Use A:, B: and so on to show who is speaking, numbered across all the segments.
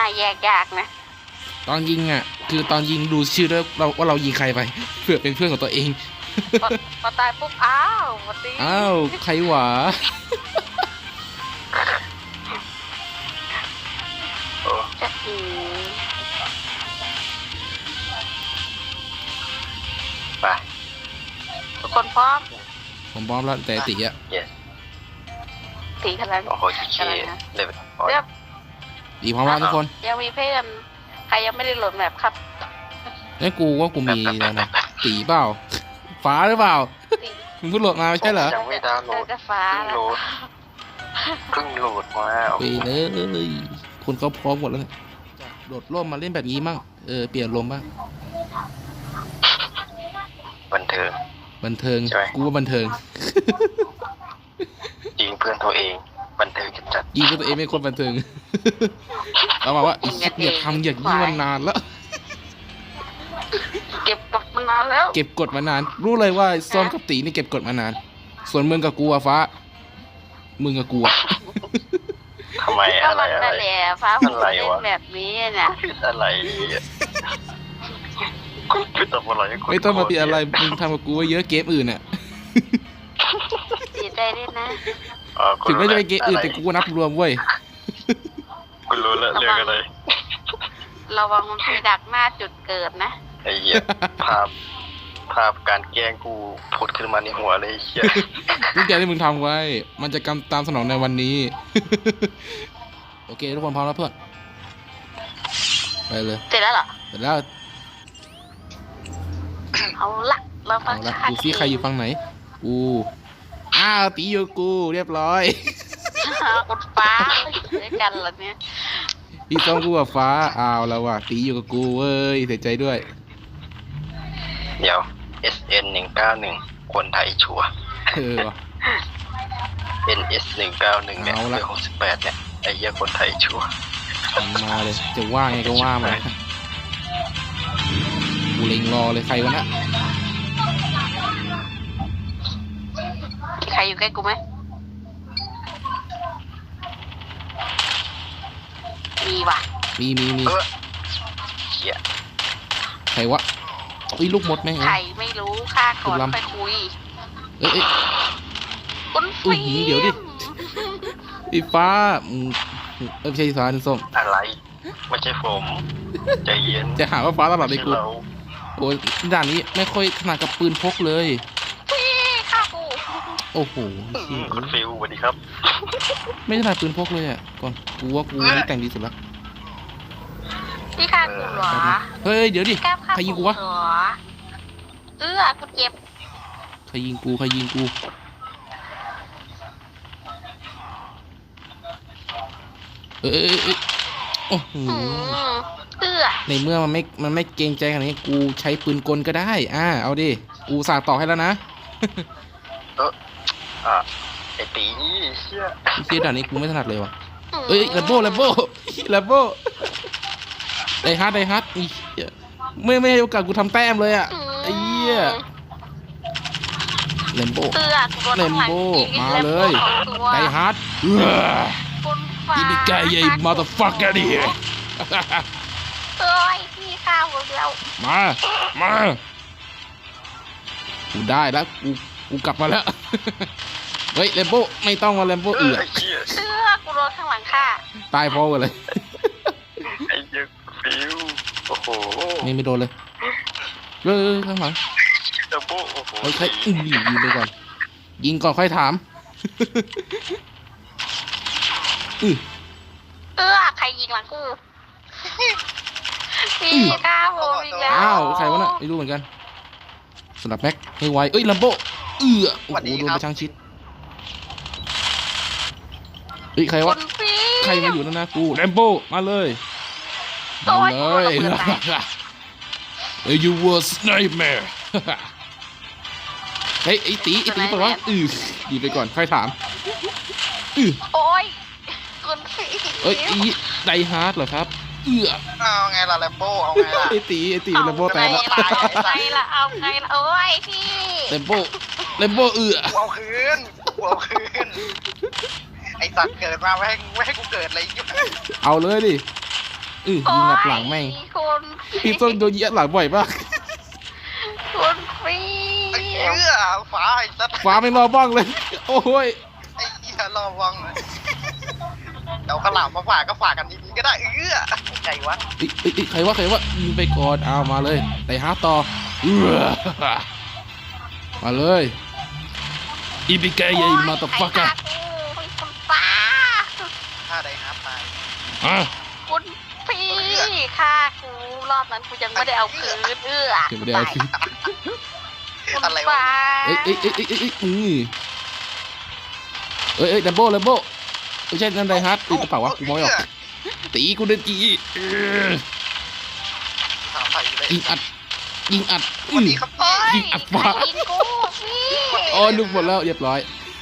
A: น่าแยกยากนะ
B: ตอนยิงอ่ะคือตอนยิงดูชื่อด้วยว่าเรายิงใครไปเผื่อเป็นเพื่อนของตัวเอง
A: พอตายปุ๊บอ้าวมาตี
B: อ้าวใครหวา
A: จะ
C: ไป
A: ทุกคนพร้อม
B: ผมพร้อมแล้วแต่ตีอ่ะ
A: ตีขนาด
C: โอ้โหเชี่ยเลย
A: เรียบ
B: ตีพร้อมแล้วทุกคน
A: ยังมีเพื่อนใครยังไม่ได้โหลดแมปครับ
B: ไอ้กูว่ากูมีแล้วนะตีเปล่าฟ้าหรือเปล่ามึงเพิ่งโหลดมาไม่ใช่เหรอ
C: ยังไม่ดาวน์โหลดเพิ่งโหลดมา
B: ไปเลยคนเขาพร้อมหมดแล้วโดดร่มมาเล่นแบบนี้มั่งเปลี่ยนลมบ้าง
C: บันเทิง
B: กูว่าบันเทิง
C: ยิงเพื่อนตัวเองบันเทิงจัด
B: ยิงเพื่อนตัวเองไม่คนบันเทิงเราบอกว่าอย่าทำอย่างนี้มานานแล้ว
A: เก็บกดมานานแล้ว
B: เก็บกดมานานรู้เลยว่าซ้อมกับตีนี่เก็บกดมานานส่วนมึงกับกูอะฟ้ามึงกับกูอะ
C: ทำไมอะไร
A: ฟ้าผมเล่นแบบนี้นะ
C: อะไรไม่ต้องอะไร
B: ไม่ต้องมาตีอะไรมึงทำกับกูว่าเยอะเกมอื่นอะ
A: เสียใจด้วยนะ
B: ถึงไม่จะเป็นเกมอื่นแต่กูนับรวมเว้ย
C: กูรู้แล้วเรื่องอะไร
A: ระวังมันไปดักหน้าจุดเกิดนะ
C: ไอ้เหี้ยภาพการแกล้งกูผุดขึ้นมาในหัวเลยเหี้ย
B: ทุกอย่างที่มึงทำไว้มันจะกำตามสนองในวันนี้โอเคทุกคนพร้อมแล้วเพื่อนไปเลย
A: เสร็จแล้วเหรอ
B: เสร็จแล้ว
A: เอาละเราฟัง
B: ดูซิใครอยู่ฝั่งไหนอ้าวตีอยู่กูเรียบร้อย
A: กดฟ้าด้วยกันเหรอเนี่ย
B: พี่ต้องกูกับฟ้าอ้าวแล้วว่ะตีอยู่กับกูเว้ยเสียใจด้วย
C: เดี๋ยว SN 191คนไทยชัวNS 191เนี่ยเบอร์68เนี่ยไอ้เหี้ยคนไทยชัว
B: มาเลยจะว่าไงก็ว่ามากูเล็งรอเลยใครวะนะ
A: ใครอยู่ใกล้กูไหมมีว่ะ
B: มี
C: เหี้ย
B: ใครวะลูกมดแม่ง
A: ใครไม่รู้ค่าก่อนไปคุยคุณฟิล์ม
B: เดี๋ยวดิไอ้ฟ้าไม่ใช่ฟ้าส้ม
C: อะไรไม่ใช่ผมใจเย็น
B: จะหาว่าฟ้าตลอดเลยกูโอ้ยด่านนี้ไม่ค่อยถนัดกับปืนพกเลย
A: พี่ฆ่ากู
B: โอ้โห
C: คุณฟิลสวัสดีครับ
B: ไม่ถนัดปืนพกเลยอ่ะก่อนกูว่ากูนี่แต่งดีสุดละ
A: พี่ฆ่ากูเหรอ
B: เฮ้ยเดี๋ยวดิใครยิงกูวะ
A: กูเจ็บ
B: ใครยิงกูโอ้โหในเมื่อมันไม่เกรงใจขนาดนี้กูใช้ปืนกลก็ได้เอาดิกูสาดต่อให้แล้วนะ
C: ไอ้ตีเ
B: ชี่ยด่านนี้กูไม่ถนัดเลยว่ะแลมโบ้ไดฮาร์ดไม่ให้โอกาสกูทำแต้มเลยอ่ะไอ้เหี้ยแลมโบ้มาเลยไดฮาร์ดอีบิกายยัยมาตาฟักกันดิ
A: พี่ข้าวเรา
B: มากูได้แล้วกูกลับมาแล้วเฮ้ยแลมโบ้ไม่ต้องมาแลมโบ้
A: กูโดนข้างหลังค่ะ
B: ตายพอเลย
C: ไอ้เหี้ยฟิวโอ้โห
B: ไม่โดนเลยข้างหลัง
C: แลมโบ้โอ้โห
B: ใครยิงไปก่อนยิงก่อนค่อยถาม
A: ใครยิงหลังกูพี่ข้าวผมอีกแล้ว
B: ใครวะน่ะไม่รู้เหมือนกันสลับแม็กให้ไวแลมโบ้โอ้โหโดนไปช่างชิดใครวะใครมาอยู่นั่นนะกูแลมโบ้มาเลยYou was nightmare เฮ้ยไอ้ตีปะวะดีไปก่อนค่อยถาม
A: โอ้ยคุณฟิล์ม
B: ไดฮาร์ดเหรอครับ
C: เอาไงล่ะแลมโบ้เอาไงล่ะ
B: ไอ้ตีแลมโบ้แตกแล้ว
A: เอาไงล่ะโอ้ยพี่
B: แลมโบ้
C: เอาคืนไอ้สัตว์เกิดมาไม่ให้กูเกิดอะไรยิ่ง
B: เอาเลยดิยิงอัดหลังแม่ง
A: คน
B: พี่ต้นโดนยิงอัดหลังบ่อยมาก
A: คนฟรี
C: ไอ้เหี้ยฟ้าไอ้สัตว์
B: ฟ้าไม่รอบ้างเลย โอ้ย
C: ไอ้เหี้ยรอวังเลยเอาขาวหลามมาฝากก็ฝากกันดีๆก็ได้ใจวะ
B: ใครวะยิงไปก่อนเอามาเลยไต่ฮาร์ดต่อมาเลยอีพิเกย์มาตบฟักกัน
A: คนฟ้า
C: ถ้าได้ฮาร์ดตาย
B: อ่ะ
A: คุณพี่ฆ่ากูรอบนั้นกูยังไม่ได้เอาคืน
B: เก็บไม่ได้คือ
A: คุณ
C: อะไรวะ
A: ฟ้า
B: เอ้ยดับเบิลไม่ใช่นั่นไดฮาร์ดตีกระเป๋าวะกูมองไม่ออกตีกูเดินจี
C: ถามใครเลย
B: ยิงอัด
C: สวัสดีครับ
A: โอ้ย
B: ยิงอัดฟ้า
A: ใครยิงกูพี่
B: โอ้ยลูกหมดแล้วเรียบร้อย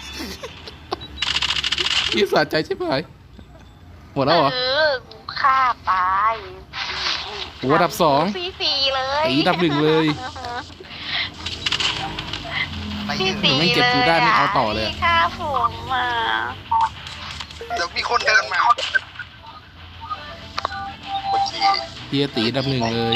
B: พี่สะใจใช่ไหมหมดแล้วเหรอ
A: กูฆ่าตาย
B: โอ้อันดับ 2
A: สี่เลย
B: ตีอันดับ 1เลย
C: ไป
A: พี่
C: ยืน
A: สี่
B: ไม่เก็บกูได้ไม่เอาต่อเลย
A: พี่ฆ่าผมอ่ะ
C: เดี๋ยวมีคนเดินมาโอเค
B: พี่ตีอันดับ 1เลย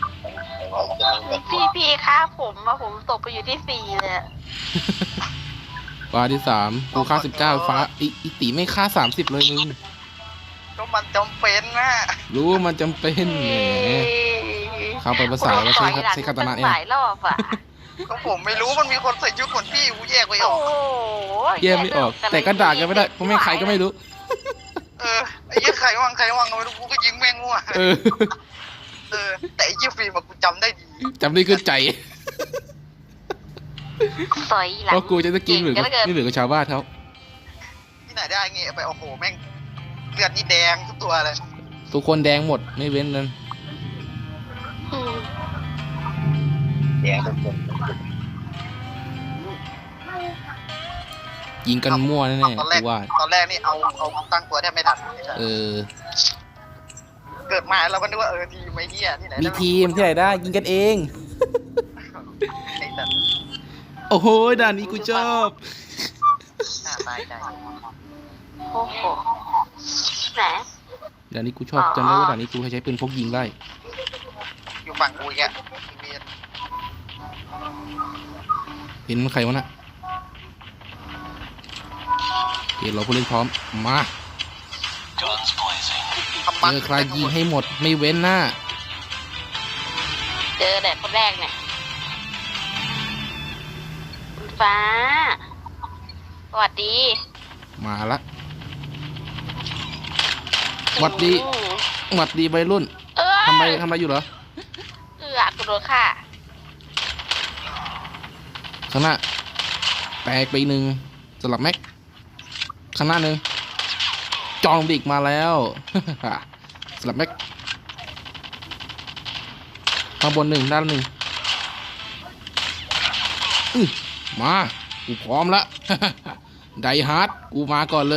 A: พี่ฆ่าผมอะผมตกไปอยู่ที่4เลยอะ
B: ฟ้าที่3กูค่า19ฟ้าอีตีไม่ค่า30เลยมึง
C: ก็มันจำเป็นนะ
B: รู้มันจำเป็นแหม เข้าไปภาษาว่าใช้คาตานะเนี่ย
A: หลายรอบอะ
C: ก็ผมไม่รู้มันมีคนใส่ชุดเหมือนพี่กูแยกไว้อ
A: โอ้
C: อก
A: โห
B: แยกไม่ออก แต่ก็ด่ากันไม่ได้เพราะไม่ใครก็ไม่รู้
C: ไอ้ยี่ใครว่างก็ไม่รู้กูก็ยิงแม่งมั่ว แต่ไอ้ยี่ฟิล์มกูจำได้ดี
B: จำได้ขึ้นใจ
A: สอยหลัง
B: เพราะกูจะกินหรือ
A: เก่งเหลือเกิน
B: ไม่เหลือกับชาวบ้านเขา
C: ที่ไหนได้เงี้ยไปโอ้โหแม่งเลือดนี่แดงทุกตัวเลย
B: ทุกคนแดงหมดไม่เว้นนั้น
A: อืม
C: แดงทุกคน
B: ยิงกันมั่วแน่ๆ
C: ตอนแรก
B: กูว่า
C: ตอนแรกนี่เอาตั้งตัวแทบไม่ทัน
B: เออ
C: เกิดมาเราก็นึกว่าทีมไอ้เหี้ยที่ไหน
B: มีทีมที่ไหนได้ยิงกันเอง
C: ไอ้สัตว์
B: โอ้โหด่านนี้กูชอบ
C: ตายใจ
A: โอ้โหไหน
B: ด่านนี้กูชอบจำได้ว่าด่านนี้กูใช้ปืนพกยิงได้
C: อยู่ฝั่งกูอีกอ่ะเวียน
B: เห็นใครวะน่ะเห็นเราผู้เล่นพร้อมมา
C: ทำบั
B: เจอใครยิงให้หมดไม่เว้นหน้า
A: เจอแต่คนแรกเนี่ยคุณฟ้า สวัสดี
B: มาละหวัดดี
A: อืม
B: หวัดดีวัยรุ่น
A: เอ้ย
B: ทำอะไรอยู่เหรอ
A: กูโดนฆ่า
B: ข้างหน้าแตกไป1สลับแม็กข้างหน้า1จองบิกมาแล้ว สลับแม็กข้างบน1ด้าน1มากูพร้อมละ ไดฮาร์ดกูมาก่อนเลย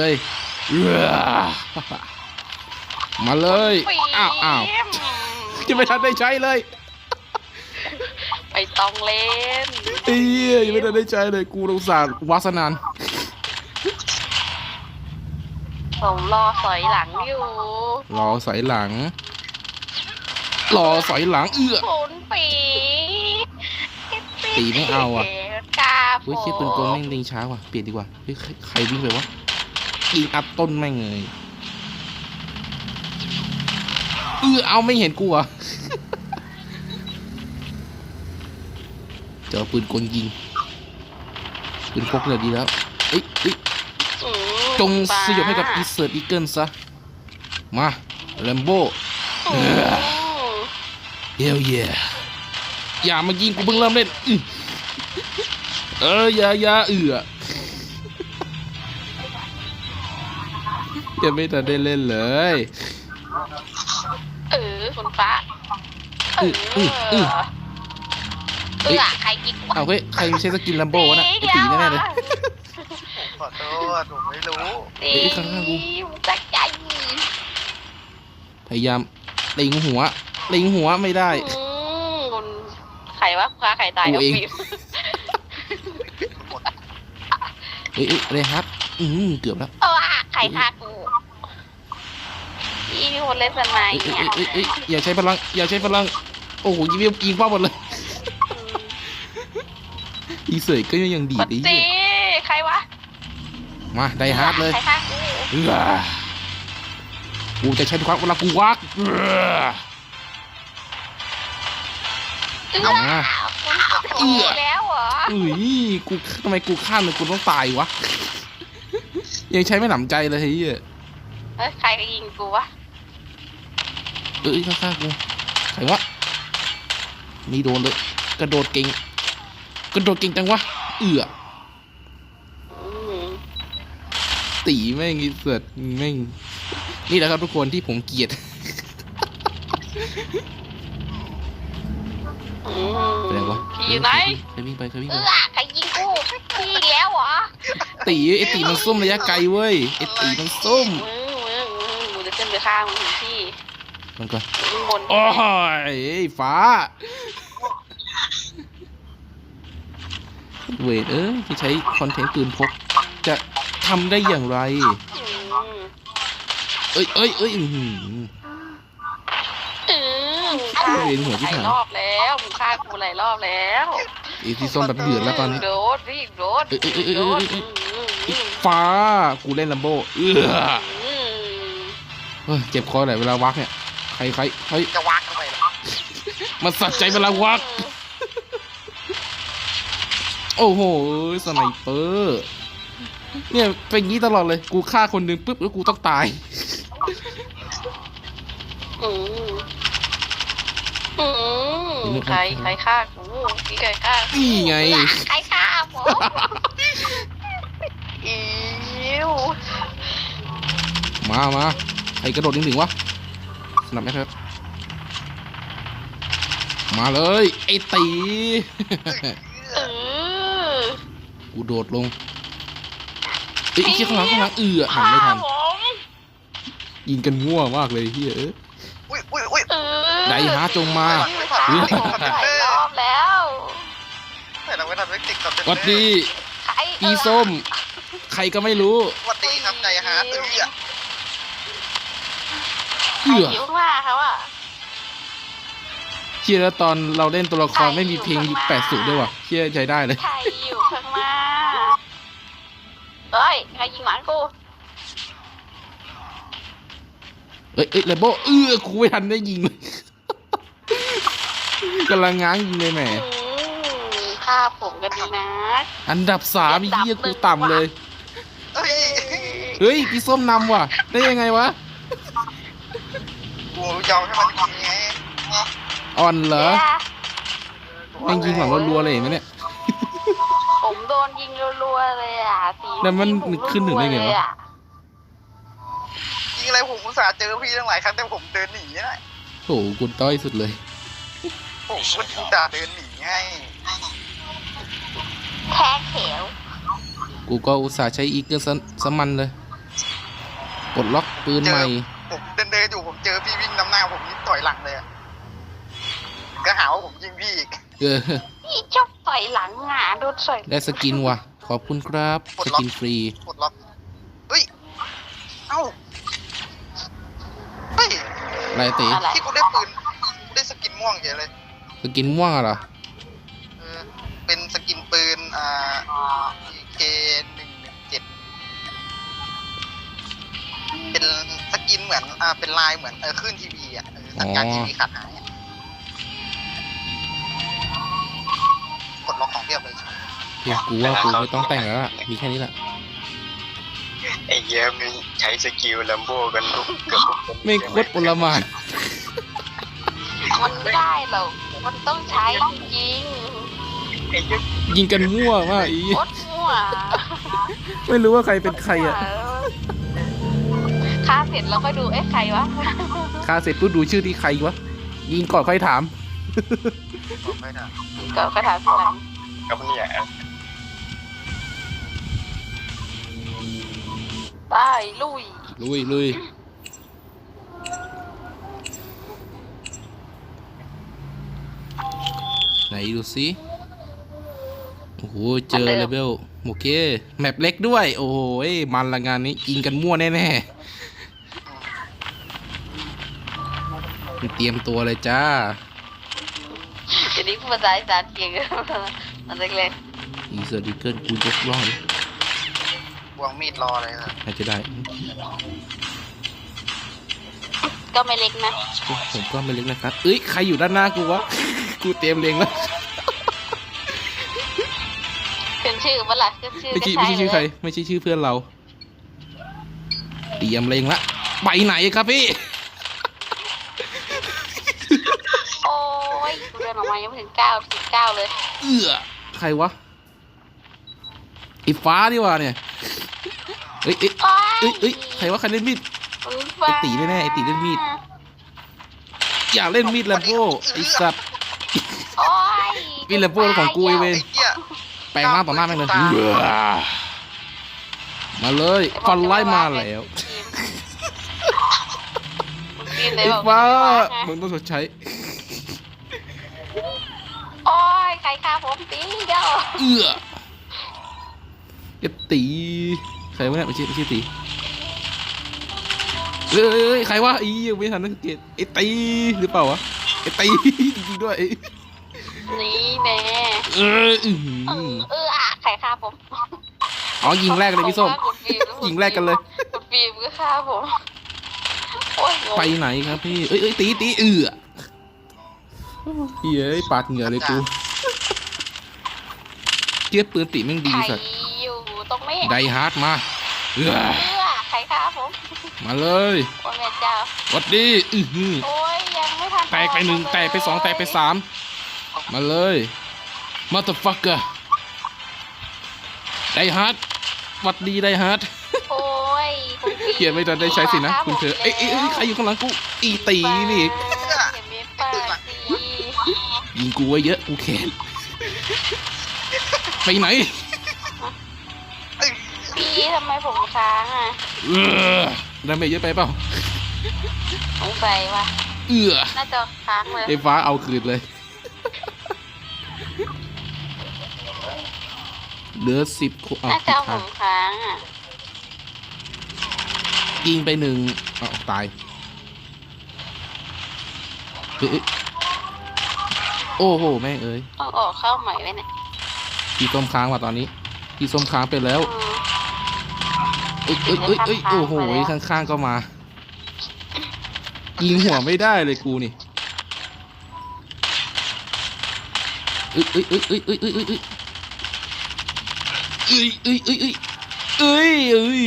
B: มาเลยอ้าวจะไม่ทันได้ใช้เลย
A: ไปต้องเล่น
B: เอ้ยยังไม่ทันได้ใช้เลยกูอุตส่าห์วาสนาน
A: ผมรอสอยหลังอยู่
B: รอสอยหลัง รอสอยหลัง
A: ผลปี
B: ตีไม่เอาอ่ะ
A: กา
B: เฮ้ยคิดปืนกลแม่งยิงช้าว่ะเปลี่ยนดีกว่าเฮ้ยใครวิ่งไปวะยิงอัดต้นแม่งเลยเอาไม่เห็นกูอ่ะ เจอปืนกลยิงปืนพกเลยดีแล้วเอ้ยจงสยบให้กับอีเซิร์ตอีเกิลซะมาแลมโบ้เฮลเยอย่ามายิงกูเพิ่งเริ่มเล่นอย่ายังไม่ทันได้เล่นเลย
A: คุณฟ้าใครกินวะ
B: เอาเฮ้ยใครไม่ใช่สกินแลมโบ้วะน่ะไอ้ตีแน่ๆเลย
C: ขอโทษผมไม่รู้
B: ข้างๆกู
A: จักใจ
B: พยายามเล็งหัวไม่ได้
A: คุณใครวะฟ้าใครตาย
B: กูเอง
A: ฟิล์ม
B: เฮ้ยเลยฮัทเกือบแล้ว
A: ใครฆ่ากูพี่คนเล่นมันไหม
B: เอ้ยอย่าใช้พลังอย่าใช้พลังโอ้โหยิงเป้าหมดเลยอีเสยก็ยังดี
A: ป
B: ดไอ้
A: ฏิ
B: เหี้ย
A: ใครวะ
B: มาไดฮาร์ดเลย
A: ใครฆ่ากู
B: กูจะใช้ทุกครั้งเวลากูวัก
A: เอามาคุณแล้วเหรอ
B: เอ้ยกูทำไมกูฆ่าเลยกูต้องตายวะยังใช้ไม่หนำใจเลยเฮ้ย
A: เฮ้ยใครยิงกูวะ
B: ข้างๆกูใครวะนี่โดนเลยกระโดดเก่งจังวะตีแม่งอีเสือแม่งนี่แหละครับทุกคนที่ผมเกลียดเป็นไงวะ
A: อยู่ไหน
B: ใครวิ่งไป
A: ใครยิงกูพี่แล้วเหรอ
B: ไอตีมันส้มระยะไกลเว้ยไอตีมันส้ม
A: มึงจะขึ้นไปข้างมึงถึงที่
B: มันก่อน
A: มึงบน
B: โอ้ยฟ้าเวทจะใช้คอนเทนต์ปืนพกจะทำได้อย่างไรเอ้ยเวียนหัวที่
A: ห
B: ไหน
A: ลายรอบแล้วมึงฆ่ากูหลายรอบแล้ว
B: ไอที่ส้มแบบเดือดแล้วตอนนี้
A: โดดพี่โดด
B: ฟ้ากูเล่นลัมโบ้เจ็บคอไหนเวลาวักเนี่ยใคร
C: จะวักทำไมล่ะ
B: มันสัดใจเวลาวักโอ้โหสไนเปอร์เนี่ยเป็นงี้ตลอดเลยกูฆ่าคนหนึ่งปุ๊บแล้วกูต้องตาย
A: ใครฆ่ากูพี่ใครฆ่า
B: นี่ไง
A: ใครฆ่าผมอิว
B: มาใครกระโดดถึงวะสนับไหมครับมาเลยไอตีกูโดดลงไอ้เชี่ยข้างหลังหันไม่ทันยิงกันมั่วมากเลยเฮ้ย
C: อุ้ย
B: ไดฮาร์ดจงมา
A: หลายรอบแล้ว
C: แต่เราไม่ทำให้ติดกับเต็ม
B: วัดดีอีส้มใครก็ไม่รู้
C: วัดดีครับใจฮาร์ด
A: หิวมากครับอ่ะ
B: เชี่ยแล้วตอนเราเล่นตัวละครไม่มีเพลงยุค80ด้วยว่ะเชี่ยใช้ได้เลย
A: ใครอยู่ข้างมาเฮ้ยใครยิงหลานกู
B: เอ้ยแลมโบ้กูไม่ทันได้ยิงเลยกำลังง้างยิงเลยแหม
A: ฆ่าผมกันดีนะ
B: อันดับ3เหี้ยกูต่ำเลย
C: เฮ้ย
B: พี่ส้มนำว่ะได้ยังไงวะ
C: กูยอมให้มันยิงไง
B: อ่อนเหรอแม่งยิงหลังรัวๆเลยเห็นไหมเนี่ย
A: ผมโดนยิงรัวๆเลยอ่ะสี
B: แล้วมันขึ้นถึงได้ไงวะ
C: ยิงอะไรผมอุตส่าห์เจอพี่ตั้งหลายครั้งแต่ผมเดินหนีนะ
B: โหกูต้อยสุดเลย
C: ผมอุตส่าห์เดินหนีให้
A: แค่เขียว
B: กูก็อุตส่าห์ใช้อีเกิลสมันเลยกดล็อกปืนใหม่
C: ผมเดินอยู่ผมเจอพี่วิ่งนำหน้าผมยิงต่อยหลังเลยก็หาว่าผมยิงพี่อีก
A: พี่ชอบต่อยหลังอ่ะโดนต่อย
B: ได้สกินว่ะขอบคุณครับสกินฟรี
C: กดล็อกเฮ้ยเอ้าเฮ้ย
B: อะไรตี
C: ที่กูได้ปืนได้สกินม่วงเฉยเลย
B: สกินม่วงเหรอ
C: เป็นสกินปืนEK117เป็นสกินเหมือนเป็นลายเหมือนขึ้นทีวีสัญญาณทีวีขาดหายกดล็อกของเรียบเลย
B: เฮียกูว่ากูไม่ต้องแต่งแล้วล่ะมีแค่นี้แหละ
D: ไอ้เยี่ยมนใช้สกิลลัมโบกันเกือบทุกคน
B: ไม่โคตรโอลหม่าน
A: มันไม่ได้หรอกมันต้องใช้จริง
D: ไอ้เยี่ยม
B: ยิงกันมั่วมากอี
A: โคตรมั่ว
B: ไม่รู้ว่าใครเป็นใครอ่ะ
A: ฆ่าเสร็จแล้วค่อยดูใครวะ
B: ฆ่าเสร็จปุ๊บดูชื่อที่ใครวะยิงก่อนค่อยถาม
C: ไม่ได้
A: ก็ถามทีหลัง
D: กับเนี่ย
A: ไปลุย
B: ลุยไหนดูสิโอ้โหเจอเลเวลโอเคแมปเล็กด้วยโอ้โหมันละงานนี้ยิงกันมั่วแน่เตรียมตัวเลยจ้า
A: เดี๋ยวนี้พูดภาษาอีสานเก่งมันเล็ก
B: อีเซอร์ดิเกิลกูยกล่องเลย
C: วางมีดรอเลยครับ
B: น่าจะได้
A: ๆก็ไม่เล็กนะ
B: ผมก็ไม่เล็กนะครับ เอ้ย ใครอยู่ด้านหน้ากูวะ กูเตรียมเล็งแล้ว
A: ขึ้นชื่อปะล่ะขึ้นชื่อ
B: ไม่ใช่
A: ก็
B: ไม่ใช่ชื่อใคร
A: เลย
B: ไม่ใช่ชื่อเพื่อนเรา เตรียมเล็งละไปไหนครับพี่
A: โอ้ยกูเดินออกมายังไม่ถึง9 เลย
B: ใครวะไอ้ฟ้านี่วะเนี่ยเอ้ยเอ้ย
A: โอ้ย
B: เอ้ยใครวะใครเล่นมีด
A: ฟ้า
B: ไอ้ตีแน่ๆไอ้ตีเล่นมีด อย่าเล่นมีดแลมโบ้ไอ้สัตว์
A: โอ้ย
B: มีดแลมโบ้ของกูไอ้เว
C: ไอ้
B: ร
C: เหี้ย
B: แปลงร่างต่อหน้าแม่งเลยมาเลยฟันไล่มาแล้ว ไอ้ฟ้ามึงต้องชดใช้
A: โอ้ยใครฆ่าผมตีเดียว
B: ไอ้ตีใครวะเนี่ยไม่ใช่ตีเอ้ยใครวะอียังไม่ทันสังเกตไอ้ตีหรือเปล่าวะไอ้ตีจริงๆด้วย
A: นี่แน่
B: เอออื้อหือ
A: ใครฆ่าผม
B: อ๋อยิงแรกเลยพี่ส้ม
A: คุณฟิล์
B: ยิงแรกกันเลย
A: คุณฟิล์มก็ฆ่าผมโอ้ยงง
B: ไปไหนครับพี่เอ้ยตีเฮ้ยปาดเหงื่อเลยกูเทียบปืนตีแม่งดี
A: ใคร
B: สัตว์
A: อยู่ตรงไม่เห็น
B: ไดฮาร์ดมา
A: ใครฆ่าผม
B: มาเลย
A: โอ้ยแม่เจ้า
B: วัดดีอื้อหือ
A: โอ้ยยังไม่ทัน
B: แตกไปหนึ่งแตกไปสองแตกไปสามมาเลยมาต h ฟักเกอร์ไดฮาร์ดวัดดีไดฮาร์ด
A: โอ้ยคุณฟิล์ม
B: เขียนไม่ทันได้ใช้สินะคุณเธอเอ้ยใครอยู่ข้างหลังกูอีตีนี่
A: เห็นไหมป้าสิ
B: ยิงกูไว้เยอะกูแขนไปไหน
A: พี่ทำไมผมค้างอ่ะ
B: ดาเมจเยอะไปเปล่า
A: สงสัยว่า น่าจะค้างเลย
B: ไอ้ฟ้าเอาคืนเลยเหลือ10 คนเอา
A: น่าจะเอาผมค้างอ่ะ
B: ยิงไปหนึ่งเอาตายเอ้ยโอ้โหแม่งเอ้ย
A: ต้องออกเข้าใหม่ไว้เนี่ย
B: พี่ส้มค้างว่ะตอนนี้พี่ส้มค้างไปแล้ว
A: อืม
B: เอ้ยโอ้โหข้างๆก็มา ยิงหัวไม่ได้เลยกูนี่เอ้ย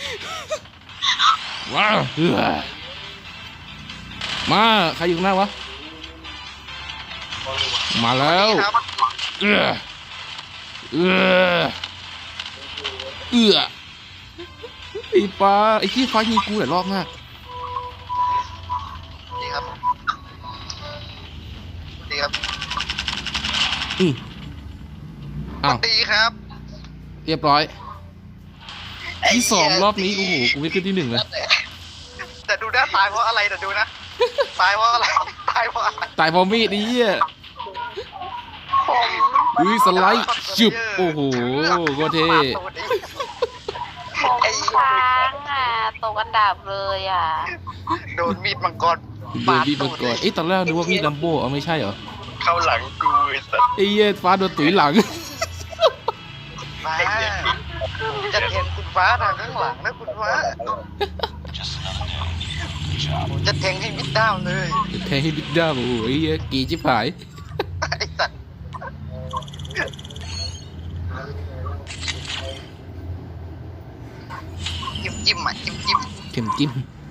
B: ว้าวมาใครอยู่ข้างหน้าวะมาแล้ว
C: ครับ
B: ไอ้ฟ้าไอ้ที่ฟ้ายิงกูหลายรอบมาก
C: ดีครับดีครับ
B: อ้าว
C: ดีครับ
B: เรียบร้อยที่สองรอบนี้โอ้โหกูไม่ขึ้นที่หนึ่งเลย
C: แต่ดูนะตายเพราะอะไรแต่ดูนะตายเพราะอะไรตายเพราะอะไร
B: ตายเพราะมีดนี่อ่ะ
A: ผม
B: อุ้ยสไลด์จุบโอ้โหโคตรเท่
A: ผมค้างอ่ะตกอันดับเลยอ่ะ
C: โดนมีดมังกร
B: เดินมีดมังกรเอ้ยตอนแรกนึกว่ามีดลัมโบ้เอาไม่ใช่เหรอ
D: เข้าหลังกูไอ้สัส
B: ไอ้เหี้ยฟ้าโดนตุ๋ยหลัง
C: ฟ้าจะเห็นคุณฟ้าทางข้างหลังนะคุณฟ้าผมจะแทงให้มิดด้าวเลย
B: แทงให้บิ๊กด้าโอ้โหไอ้เหี้ยกีจิบหาย
C: ไอ้สัตว์จิ้มอ่ะจิ้ม
B: เข็มจิ้ม